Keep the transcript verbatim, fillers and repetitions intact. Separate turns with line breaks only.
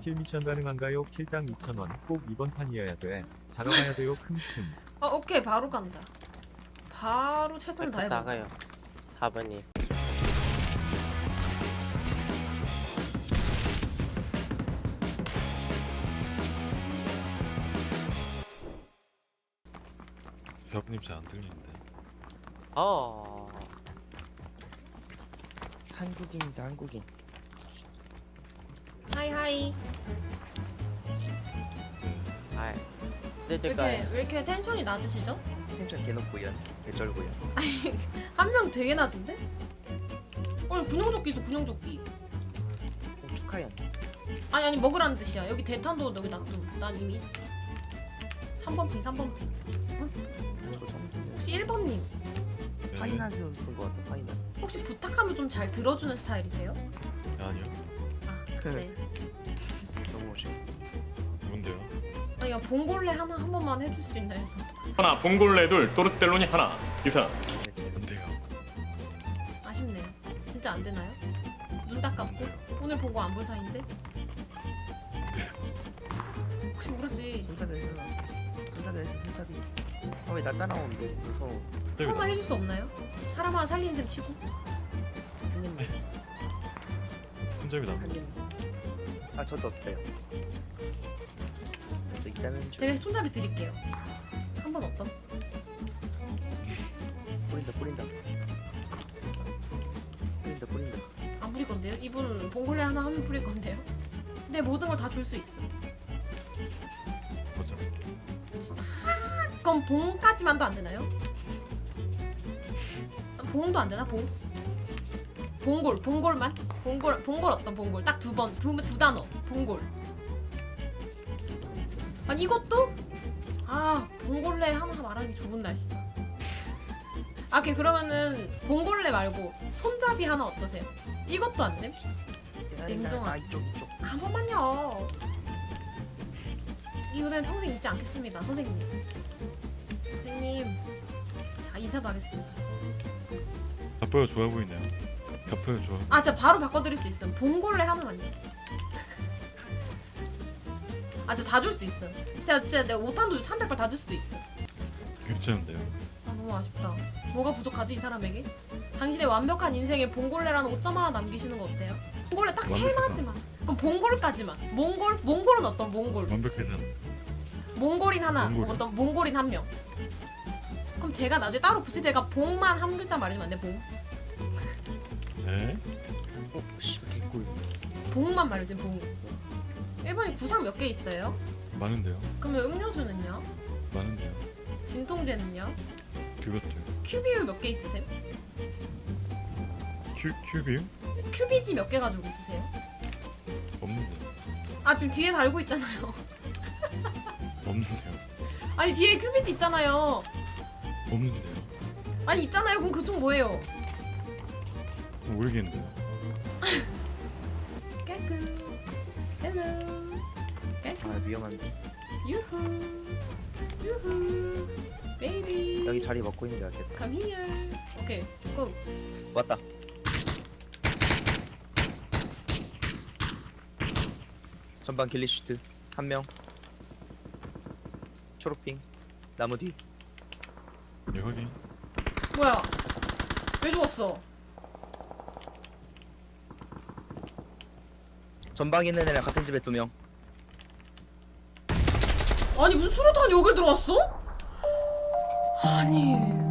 킬 미션 가능한가요? 킬당 이천 원. 꼭 이번 판이어야 돼. 자러 가야 돼요. 킁킁.
아 오케이 바로 간다. 바로 최선 다해봐.
작아요. 사 번이.
대학님 잘 안 들리는데.
어.
한국인이다 한국인.
하이하이.
아.
왜 이렇게
늦을까요?
왜 이렇게 텐션이 낮으시죠?
텐션 개높고요. 개쩔고요.
한 명 되게 낮은데? 어 군용조끼 있어 군용조끼.
어, 축하해.
아니 아니 먹으라는 뜻이야. 여기 대탄도 여기 놔둬. 난 이미 있어. 삼 번 핑 삼 번 핑.
저 정도면
혹시 일 번님
네.
파이난에서 쓴거 같아. 파이난.
혹시 부탁하면 좀 잘 들어주는 스타일이세요?
아니요.
아 네.
너무 오셔.
누군데요?
아니 야 봉골레 하나 한 번만 해줄 수 있나 해서.
하나, 봉골레 둘, 또르텔로니 하나. 이상.
네, 제
안 돼요.
아쉽네요. 진짜 안 되나요? 눈 딱 감고 오늘 본 거 안 볼 사이인데? 혹시 모르지.
손잡이 했어. 손잡이 했어. 손잡이. 아왜 나 따라오는데? 무서워.
한 번만 해줄 수 없나요? 사람 하나 살리는 셈 치고.
형님.
손잡이 남.
형님. 아 저도 없대요. 저 일단은 좀
제가 손잡이 드릴게요. 한 번 어떤?
뿌린다 뿌린다. 뿌린다 뿌린다.
안 부릴 건데요? 이분 봉골레 하나 하면 부릴 건데요? 내 모든 걸 다 줄 수 있어.
보자.
그럼 봉까지만도 안 되나요? 봉도 안 되나? 봉? 봉골, 봉골만? 봉골, 봉골 어떤 봉골? 딱 두 번, 두, 두 단어. 봉골. 아니 이것도? 아, 봉골레 하나 말하기 좋은 날씨다. 아, 오케이 그러면은 봉골레 말고 손잡이 하나 어떠세요? 이것도 안 됨? 냉정한.
아 이쪽 이쪽.
한 번만요. 이거는 평생 잊지 않겠습니다, 선생님. 선생님, 자 인사도 하겠습니다.
gat보여 좋아 보이네요. gat보여 좋아.
아, 진짜 바로 바꿔드릴 수 있음. 봉골레 하나만요. 아, 진짜 다 줄 수 있음. 제가 진짜 내가 오탄도 삼백 발 다 줄 수도 있음.
괜찮은데요.
아, 너무 아쉽다. 뭐가 부족하지 이 사람에게? 당신의 완벽한 인생에 봉골레라는 오점 하나 남기시는 거 어때요? 봉골레 딱 세
완벽하다.
마디만. 그럼 봉골까지만. 몽골? 몽골은 어떤 몽골?
완벽해진.
몽골인 하나,
몽골이요?
어떤 몽골인 한 명. 그럼 제가 나중에 따로 굳이 내가 봉만 한 글자 말해주면 안 돼? 봉?
네.
어 씨발 개꿀.
봉만 말해주세요. 봉. 일본이 구상 몇 개 있어요?
많은데요.
그러면 음료수는요?
많은데요.
진통제는요?
그것도요.
큐비유 몇 개 있으세요?
큐 큐비요?
큐비지 몇 개 가지고 있으세요?
없는데.
아 지금 뒤에 달고 있잖아요.
없는데요.
아니 뒤에 큐비지 있잖아요.
없는데요.
아니 있잖아요. 그럼 그쪽 뭐예요?
모르겠는데요.
깨끗. 헬로.
아 위험한데.
유후. 유후. 베이비.
여기 자리 먹고 있는 줄 알겠다.
Come here. 오케이. 고.
왔다. 전방 길리슈트 한 명. 초록핑 나무 뒤.
네 확인.
뭐야? 왜 죽었어?
전방에 있는 애랑 같은 집에 두 명.
아니 무슨 수류탄이 여길 들어왔어? 아니